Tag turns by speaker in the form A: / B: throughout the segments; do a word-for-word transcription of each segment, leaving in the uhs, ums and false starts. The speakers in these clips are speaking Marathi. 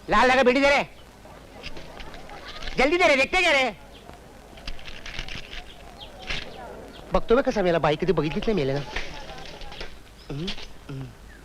A: लाल लगा बेटी दे रे, जल्दी दे रे, देखते क्या रे. बघतो कसा मेला, बाई कधी बघितलीच नाही मेले ना. हम्म, हम्म.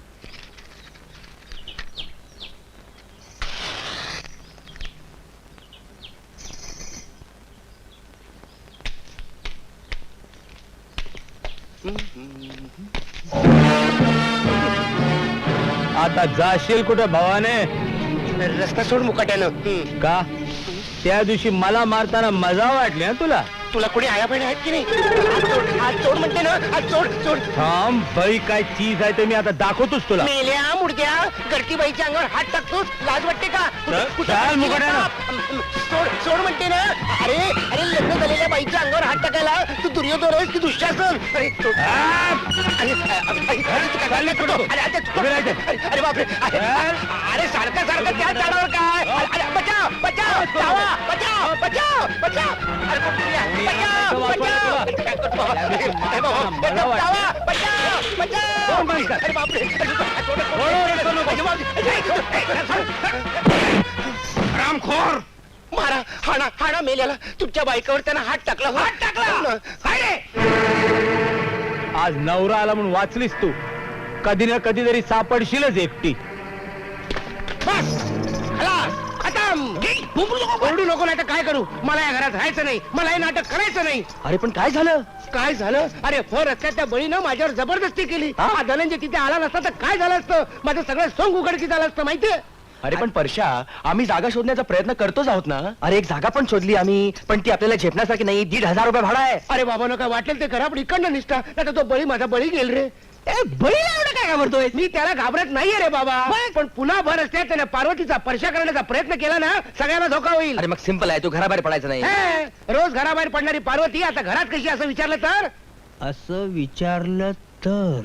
B: आता जाशील कुठं भावाने?
A: रस्ता सोड मुकाट्यानं.
B: का त्या दिवशी मला मारताना मजा वाटली ना तुला?
A: तुला कोणी आया बहिणी आहेत की नाही? हात सोड, हात सोड म्हणते ना, हात सोड सोड.
B: थांब बाई, काय चीज आहे ते मी आता दाखवतोच तुला.
A: मेल्या मुडक्या, गडती बाईच्या अंगावर हात टाकतोस, लाज वाटते का? कुठं-
B: चल,
A: कुठं
B: चल
A: टाकली
B: मुकाट्यानं.
A: बाप? सोड सोड म्हणते ना. अरे अरे लग्न झालेल्या बाईच्या अंगावर हात टाकायला तू दुर्योधन आहेस की दुःशासन? अरे सोड. अरे, अरे, अरे, अरे, तू काय चाललंय? अरे, अरे, तू- अरे, अरे बापरे. अरे, अरे सारखं सारखं त्या झाडावर काय? अरे, अरे, बचाव बचाव धावा, बचाव बचाव बचाव. अरे कोणतरी आहे. बचाव बचाव. काय करतो? अरे, अरे बाबा, बचाव, धावा, बचाव बचाव. अरे बापरे.
B: रामखोर,
A: मारा, हाणा हाणा मेल्याला. तुमच्या बायकावर त्यानं हात टाकला. हात टाकला.
B: आज नवरा आला म्हणून वाचलीस तू. कधी ना कधी तरी सापडशीलच एकटी.
A: बस खलास, खतम. ओरडू नको, नाही तर काय करू. मला या घरात राहायचं नाही, मला हे नाटक करायचं नाही.
B: अरे पण काय झालं?
A: काय झालं? अरे फोर रस्त्यात त्या बळीनं माझ्यावर जबरदस्ती केली. हा धनंजय तिथे आला नसता तर काय झालं असतं? माझं सगळं सोंग उघडकीत झालं असतं माहितीये.
C: अरे पण परशा, आम्ही जागा शोधण्याचा प्रयत्न करतोच आहोत ना. अरे एक जागा पण शोधली आम्ही, पण ती आपल्याला झेपण्यासारखी नाही. दीड हजार रुपये भाडा आहे.
A: अरे बाबा काय वाटेल ते करा, पण इकडनं निष्ठा. नाही तर तो बळी माझा बळी गेल रे.
C: बळीला एवढं काय घाबरतोय?
A: मी त्याला घाबरत नाहीये रे बाबा, पण पुन्हा भर असते त्याने पार्वतीचा परशा करण्याचा प्रयत्न केला ना, सगळ्यांना धोका होईल.
C: अरे मग सिंपल आहे, तू घराबाहेर पडायचं नाही.
A: हे, रोज घराबाहेर पडणारी पार्वती आता घरात कशी असं विचारलं तर?
B: असं विचारलं तर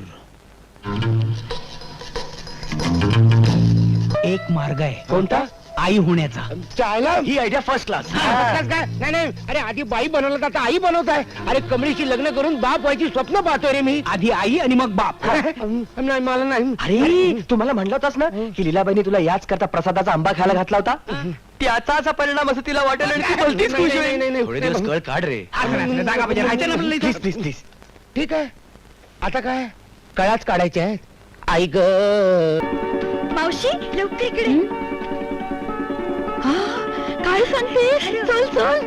B: एक मार्ग आहे.
A: कोणता?
B: आई होण्याचा.
A: चायला
C: ही आयडिया फर्स्ट क्लास.
A: काय काय? नाही नाही, अरे आधी बाई बनवलं तर आता आई बनवत आहे. अरे कमळीशी लग्न करून बाप व्हायची स्वप्न पाहतोय रे मी.
B: आधी आई आणि मग बाप.
A: नाही मला नाही.
C: अरे तू मला म्हणला होतास ना की लीलाबाईने तुला याच करता प्रसादाचा आंबा खायला घातला होता. त्याचा असा परिणाम असं तिला वाटेल आणि ती भलतीच
A: नाही,
C: खुश
A: नाही,
C: होईल.
A: नाही, नाही.
C: थोडे दिवस कळ काढ रे.
B: जागा पाहिजे, राहायचं ना आपल्याला इथं.
C: Please, please, please.
A: ठीक आहे, आता काय कळाच काढायचे आहेत. आई ग
D: मावशी लवकर इकडे. हा, काय सांगतेस? चल चल.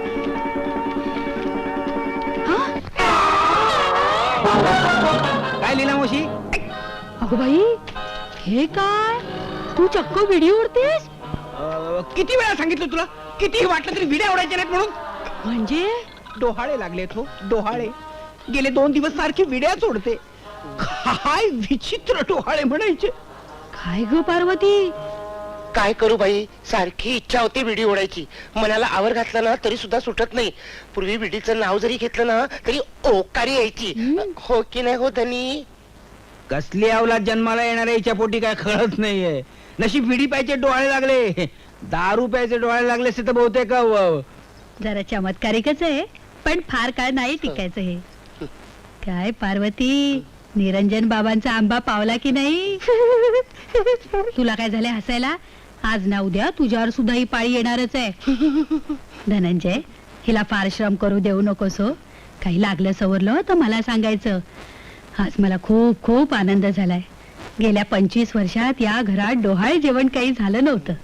B: काय लिहिला मावशी?
D: अगं बाई, हे काय? तू चक्क व्हिडिओ उडतेस?
B: अं, किती वेळा सांगितलं तुला, किती वाटलं तरी विड्या उडायच्या नाहीत म्हणून.
D: म्हणजे
B: डोहाळे लागले तो डोहाळे. गेले दोन दिवस सारखी विड्या सोडते. काय विचित्र डोहाळे म्हणायचे.
D: काय ग पार्वती?
A: काय करू बाई, सारखी इच्छा होती विडी ओढायची. मनाला आवर घातला ना तरी सुद्धा सुटत नाही. पूर्वी विडीचं नाव जरी घेतलं ना तरी ओकारी यायची. हो की नाही हो धनी?
B: कसली अवलाद जन्माला येणाऱ्या हिच्या पोटी काय कळत नाहीये. नशीब विडी प्यायचे डोहाळे लागले, दारू प्यायचे डोहाळे लागले असते तर बहुतेक अं,
D: जरा चमत्कारिकच आहे, पण फार काळ नाही टिकायचं हे. काय पार्वती, निरंजन बाबांचा आंबा पावला की नाही? तुला काय झाले हसायला? आज ना उद्या तुझ्यावर सुद्धा ही पाळी येणारच आहे. धनंजय, हिला फार श्रम करू देऊ नकोस हो. काही लागलं सवरलं तर मला सांगायचं. आज मला खूप खूप आनंद झालाय. गेल्या पंचवीस वर्षात या घरात डोहाळे जेवण काही झालं नव्हतं.